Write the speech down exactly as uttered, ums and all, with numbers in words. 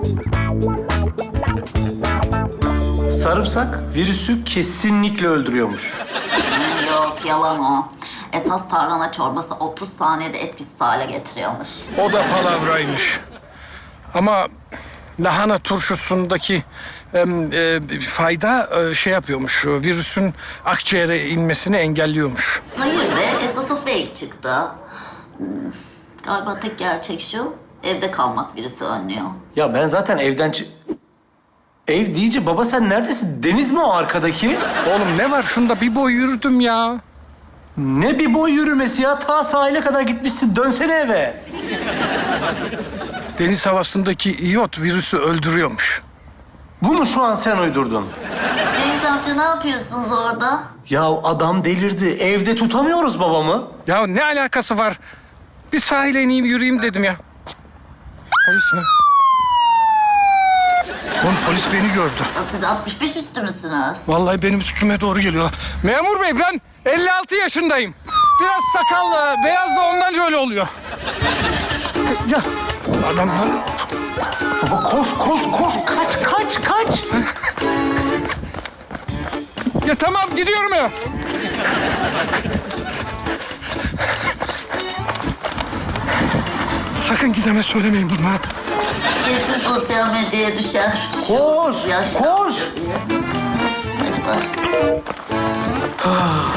Sarımsak virüsü kesinlikle öldürüyormuş. Yok, yalan o. Esas tarhana çorbası otuz saniyede etkisiz hale getiriyormuş. O da palavraymış. Ama lahana turşusundaki em, e, fayda e, şey yapıyormuş. Virüsün akciğere inmesini engelliyormuş. Hayır be, esas o fake çıktı. Hmm, Galiba tek gerçek şu, evde kalmak virüsü önlüyor. Ya ben zaten evden çı- Ev deyince baba sen neredesin? Deniz mi o arkadaki? Oğlum ne var şunda bir boy yürüdüm ya. Ne bir boy yürümesi ya? Ta sahile kadar gitmişsin. Dönsene eve. Deniz havasındaki iyot virüsü öldürüyormuş. Bunu şu an sen uydurdun. Cengiz amca ne yapıyorsunuz orada? Ya adam delirdi. Evde tutamıyoruz babamı. Ya ne alakası var? Bir sahile ineyim yürüyeyim dedim ya. Polis mi? Oğlum polis beni gördü. Ya siz altmış beş üstü müsünüz? Vallahi benim üstüme doğru geliyorlar. Memur bey ben elli altı yaşındayım. Biraz sakallı, beyaz da ondan öyle oluyor. Ya adamlar... Baba koş koş koş. Kaç kaç kaç. Ya tamam gidiyorum ya. Sakın gideme söylemeyin bunlara. Kesin sosyal medyaya düşer. Koş Yaşlı koş. amca diye. Hadi bak.